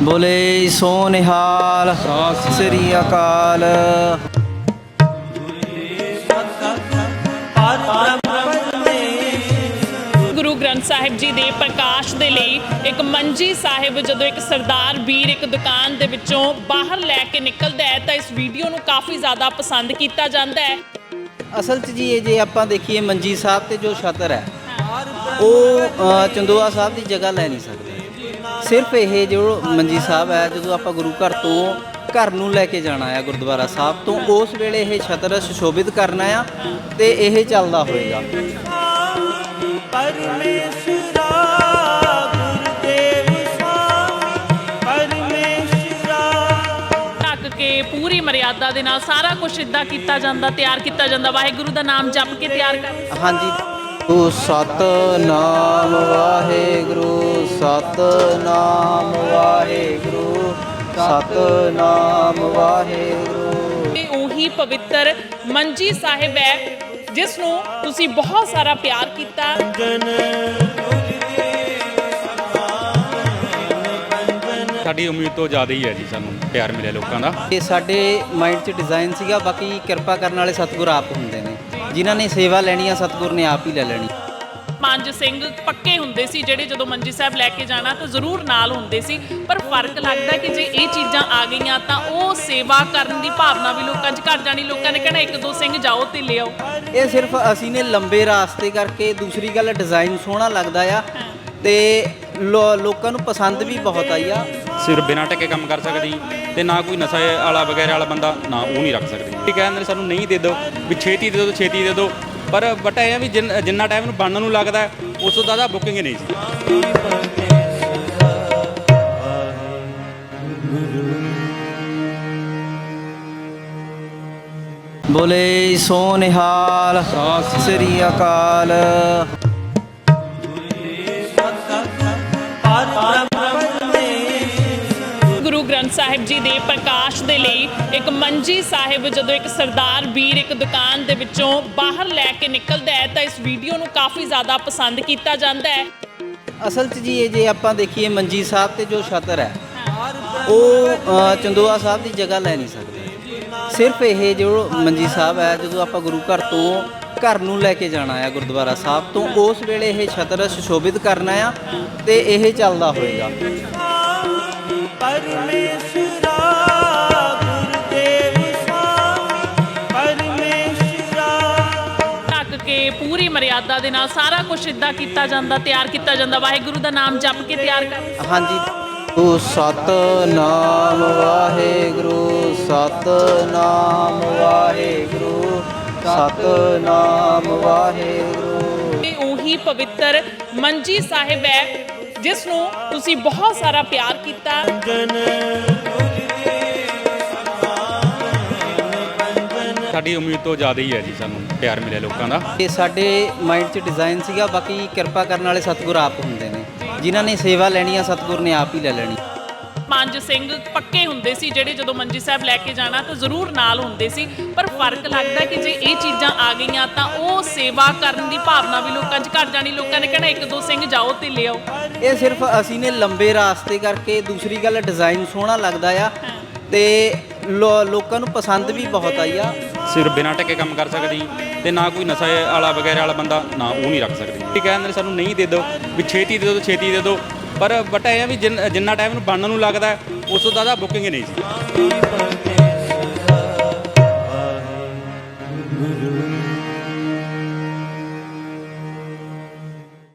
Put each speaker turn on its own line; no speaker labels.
ਬੋਲੇ ਸੋ ਨਿਹਾਲ ਸਤਿ ਸ੍ਰੀ ਅਕਾਲ।
ਗੁਰੂ ਗ੍ਰੰਥ ਸਾਹਿਬ ਜੀ ਦੇ ਪ੍ਰਕਾਸ਼ ਦੇ ਲਈ ਇੱਕ ਮੰਜੀ ਸਾਹਿਬ ਜਦੋਂ ਇੱਕ ਸਰਦਾਰ ਵੀਰ ਇੱਕ ਦੁਕਾਨ ਦੇ ਵਿੱਚੋਂ ਬਾਹਰ ਲੈ ਕੇ ਨਿਕਲਦਾ ਹੈ ਤਾਂ ਇਸ ਵੀਡੀਓ ਨੂੰ ਕਾਫੀ ਜ਼ਿਆਦਾ ਪਸੰਦ ਕੀਤਾ ਜਾਂਦਾ ਹੈ।
ਅਸਲ 'ਚ ਜੀ ਇਹ ਜੇ ਆਪਾਂ ਦੇਖੀਏ ਮੰਜੀ ਸਾਹਿਬ ਤੇ ਜੋ ਛਤਰ ਹੈ ਉਹ ਚੰਦੋਆ ਸਾਹਿਬ ਦੀ ਜਗ੍ਹਾ ਲੈ ਨਹੀਂ ਸਕਦਾ। ਸਿਰਫ ਇਹ ਜੋ ਮੰਜੀ ਸਾਹਿਬ ਹੈ ਜਦੋਂ ਆਪਾਂ ਗੁਰੂ ਘਰ ਤੋਂ ਘਰ ਨੂੰ ਲੈ ਕੇ ਜਾਣਾ ਆ ਗੁਰਦੁਆਰਾ ਸਾਹਿਬ ਤੋਂ, ਉਸ ਵੇਲੇ ਇਹ ਛਤਰ ਸੁਸ਼ੋਭਿਤ ਕਰਨਾ ਆ ਤੇ ਇਹ ਚੱਲਦਾ ਹੋਏਗਾ।
ਢੱਕ ਕੇ ਪੂਰੀ ਮਰਿਆਦਾ ਦੇ ਨਾਲ ਸਾਰਾ ਕੁਝ ਇੱਦਾਂ ਕੀਤਾ ਜਾਂਦਾ, ਤਿਆਰ ਕੀਤਾ ਜਾਂਦਾ, ਵਾਹਿਗੁਰੂ ਦਾ ਨਾਮ ਜਪ ਕੇ ਤਿਆਰ ਕਰ।
ਹਾਂਜੀ, ਉਹ ਸਤਿਨਾਮ ਵਾਹਿਗੁਰੂ, ਸਤਿਨਾਮ ਵਾਹਿਗੁਰੂ, ਸਤਿਨਾਮ ਵਾਹਿਗੁਰੂ।
ਇਹ ਉਹੀ ਪਵਿੱਤਰ ਮੰਜੀ ਸਾਹਿਬ ਹੈ ਜਿਸ ਨੂੰ ਤੁਸੀਂ ਬਹੁਤ ਸਾਰਾ ਪਿਆਰ ਕੀਤਾ।
ਸਾਡੀ ਉਮੀਦ ਤੋਂ ਜ਼ਿਆਦਾ ਹੀ ਹੈ ਜੀ, ਸਾਨੂੰ ਪਿਆਰ ਮਿਲਿਆ ਲੋਕਾਂ ਦਾ।
ਇਹ ਸਾਡੇ ਮਾਈਂਡ 'ਚ ਡਿਜ਼ਾਈਨ ਸੀਗਾ, ਬਾਕੀ ਕਿਰਪਾ ਕਰਨ ਵਾਲੇ ਸਤਿਗੁਰ ਆਪ ਹੁੰਦੇ ਨੇ। ਜਿਨ੍ਹਾਂ ਨੇ ਸੇਵਾ ਲੈਣੀ ਆ ਸਤਿਗੁਰ ਨੇ ਆਪ ਹੀ ਲੈ ਲੈਣੀ।
ਪੰਜ ਸਿੰਘ ਪੱਕੇ ਹੁੰਦੇ ਸੀ ਜਿਹੜੇ ਜਦੋਂ ਮੰਜੀ ਸਾਹਿਬ ਲੈ ਕੇ ਜਾਣਾ ਤਾਂ ਜ਼ਰੂਰ ਨਾਲ ਹੁੰਦੇ ਸੀ, ਪਰ ਫਰਕ ਲੱਗਦਾ ਕਿ ਜੇ ਇਹ ਚੀਜ਼ਾਂ ਆ ਗਈਆਂ ਤਾਂ ਉਹ ਸੇਵਾ ਕਰਨ ਦੀ ਭਾਵਨਾ ਵੀ ਲੋਕਾਂ 'ਚ ਘੱਟ ਜਾਣੀ। ਲੋਕਾਂ ਨੇ ਕਹਿਣਾ ਇੱਕ ਦੋ ਸਿੰਘ ਜਾਓ ਤੇ ਲਿਆਓ।
ਇਹ ਸਿਰਫ ਅਸੀਂ ਨੇ ਲੰਬੇ ਰਾਸਤੇ ਕਰਕੇ, ਦੂਸਰੀ ਗੱਲ ਡਿਜ਼ਾਈਨ ਸੋਹਣਾ ਲੱਗਦਾ ਆ ਤੇ ਲੋਕਾਂ ਨੂੰ ਪਸੰਦ ਵੀ ਬਹੁਤ ਆਈ ਆ।
ਸਿਰਫ ਬਿਨਾਂ ਟਕੇ ਕੰਮ ਕਰ ਸਕਦੀ ਤੇ ਨਾ ਕੋਈ ਨਸ਼ਾ ਵਾਲਾ ਵਗੈਰਾ ਵਾਲਾ ਬੰਦਾ ਨਾ ਉਹ ਨਹੀਂ ਰੱਖ ਸਕਦੀ। ਇਹ ਕਹਿੰਦੇ ਸਾਨੂੰ ਨਹੀਂ ਦੇ ਦਿਓ ਵੀ ਛੇਤੀ ਦੇ ਦਿਓ, ਛੇਤੀ ਦੇ ਦਿਓ, ਪਰ ਬਟ ਇਹ ਆ ਵੀ ਜਿੰਨਾ ਟਾਈਮ ਨੂੰ ਬਣਨ ਨੂੰ ਲੱਗਦਾ ਉਸ ਤੋਂ ਜ਼ਿਆਦਾ ਬੁਕਿੰਗ ਨਹੀਂ ਸੀ।
ਬੋਲੇ ਸੋ ਨਿਹਾਲ ਸਤਿ ਸ੍ਰੀ ਅਕਾਲ।
ਗੁਰੂ ਗ੍ਰੰਥ ਸਾਹਿਬ ਜੀ ਦੇ ਪ੍ਰਕਾਸ਼ ਦੇ ਲਈ ਇੱਕ ਮੰਜੀ ਸਾਹਿਬ ਜਦੋਂ ਇੱਕ ਸਰਦਾਰ ਵੀਰ ਇੱਕ ਦੁਕਾਨ ਦੇ ਵਿੱਚੋਂ ਬਾਹਰ ਲੈ ਕੇ ਨਿਕਲਦਾ ਹੈ ਤਾਂ ਇਸ ਵੀਡੀਓ ਨੂੰ ਕਾਫੀ ਜ਼ਿਆਦਾ ਪਸੰਦ ਕੀਤਾ ਜਾਂਦਾ ਹੈ।
ਅਸਲ 'ਚ ਜੀ ਇਹ ਜੇ ਆਪਾਂ ਦੇਖੀਏ ਮੰਜੀ ਸਾਹਿਬ ਤੇ ਜੋ ਛਤਰ ਹੈ ਉਹ ਚੰਦੋਆ ਸਾਹਿਬ ਦੀ ਜਗ੍ਹਾ ਲੈ ਨਹੀਂ ਸਕਦਾ। ਸਿਰਫ ਇਹ ਜੋ ਮੰਜੀ ਸਾਹਿਬ ਹੈ ਜਦੋਂ ਆਪਾਂ ਗੁਰੂ ਘਰ ਤੋਂ ਘਰ ਨੂੰ ਲੈ ਕੇ ਜਾਣਾ ਆ ਗੁਰਦੁਆਰਾ ਸਾਹਿਬ ਤੋਂ, ਉਸ ਵੇਲੇ ਇਹ ਛਤਰ ਸੁਸ਼ੋਭਿਤ ਕਰਨਾ ਆ ਤੇ ਇਹ ਚੱਲਦਾ ਹੋਏਗਾ।
ਢੱਕ ਕੇ ਪੂਰੀ ਮਰਿਆਦਾ ਦੇ ਨਾਲ ਸਾਰਾ ਕੁਝ ਇੱਦਾਂ ਕੀਤਾ ਜਾਂਦਾ, ਤਿਆਰ ਕੀਤਾ ਜਾਂਦਾ, ਵਾਹਿਗੁਰੂ ਦਾ ਨਾਮ ਜਪ ਕੇ ਤਿਆਰ ਕਰ।
ਹਾਂਜੀ, ਉਹ ਸਤਿਨਾਮ ਵਾਹਿਗੁਰੂ, ਸਤਿਨਾਮ ਵਾਹਿਗੁਰੂ, ਸਤਿਨਾਮ ਵਾਹਿਗੁਰੂ।
ਇਹ ਉਹੀ ਪਵਿੱਤਰ ਮੰਜੀ ਸਾਹਿਬ ਹੈ ਜਿਸ ਨੂੰ ਤੁਸੀਂ ਬਹੁਤ ਸਾਰਾ ਪਿਆਰ ਕੀਤਾ।
ਸਾਡੀ ਉਮੀਦ ਤੋਂ ਜ਼ਿਆਦਾ ਹੀ ਹੈ ਜੀ, ਸਾਨੂੰ ਪਿਆਰ ਮਿਲਿਆ ਲੋਕਾਂ ਦਾ।
ਇਹ ਸਾਡੇ ਮਾਈਂਡ 'ਚ ਡਿਜ਼ਾਈਨ ਸੀਗਾ, ਬਾਕੀ ਕਿਰਪਾ ਕਰਨ ਵਾਲੇ ਸਤਿਗੁਰ ਆਪ ਹੁੰਦੇ ਨੇ। ਜਿਨ੍ਹਾਂ ਨੇ ਸੇਵਾ ਲੈਣੀ ਆ ਸਤਿਗੁਰ ਨੇ ਆਪ ਹੀ ਲੈ ਲੈਣੀ।
ਪੰਜ ਸਿੰਘ ਪੱਕੇ ਹੁੰਦੇ ਸੀ ਜਿਹੜੇ ਜਦੋਂ ਮੰਜੀ ਸਾਹਿਬ ਲੈ ਕੇ ਜਾਣਾ ਤਾਂ ਜ਼ਰੂਰ ਨਾਲ ਹੁੰਦੇ ਸੀ, ਪਰ ਫਰਕ ਲੱਗਦਾ ਕਿ ਜੇ ਇਹ ਚੀਜ਼ਾਂ ਆ ਗਈਆਂ ਤਾਂ ਉਹ ਸੇਵਾ ਕਰਨ ਦੀ ਭਾਵਨਾ ਵੀ ਲੋਕਾਂ 'ਚ ਘੱਟ ਜਾਣੀ। ਲੋਕਾਂ ਨੇ ਕਹਿਣਾ ਇੱਕ ਦੋ ਸਿੰਘ ਜਾਓ ਤੇ ਲਿਆਓ।
ਇਹ ਸਿਰਫ ਅਸੀਂ ਨੇ ਲੰਬੇ ਰਾਸਤੇ ਕਰਕੇ, ਦੂਸਰੀ ਗੱਲ ਡਿਜ਼ਾਈਨ ਸੋਹਣਾ ਲੱਗਦਾ ਆ ਤੇ ਲੋਕਾਂ ਨੂੰ ਪਸੰਦ ਵੀ ਬਹੁਤ ਆਈ ਆ।
ਸਿਰਫ ਬਿਨਾਂ ਟਕੇ ਕੰਮ ਕਰ ਸਕਦੀ ਤੇ ਨਾ ਕੋਈ ਨਸ਼ਾ ਵਾਲਾ ਵਗੈਰਾ ਵਾਲਾ ਬੰਦਾ ਨਾ ਉਹ ਨਹੀਂ ਰੱਖ ਸਕਦੀ। ਇਹ ਕਹਿੰਦੇ ਸਾਨੂੰ ਨਹੀਂ ਦੇ ਦਿਓ ਵੀ ਛੇਤੀ ਦੇ ਦਿਓ, ਛੇਤੀ ਦੇ ਦਿਓ, ਪਰ ਬਟ ਇਹ ਆ ਵੀ ਜਿੰਨਾ ਟਾਈਮ ਨੂੰ ਬਣਨ ਨੂੰ ਲੱਗਦਾ ਉਸ ਤੋਂ ਜ਼ਿਆਦਾ ਬੁਕਿੰਗ ਨਹੀਂ ਸੀ।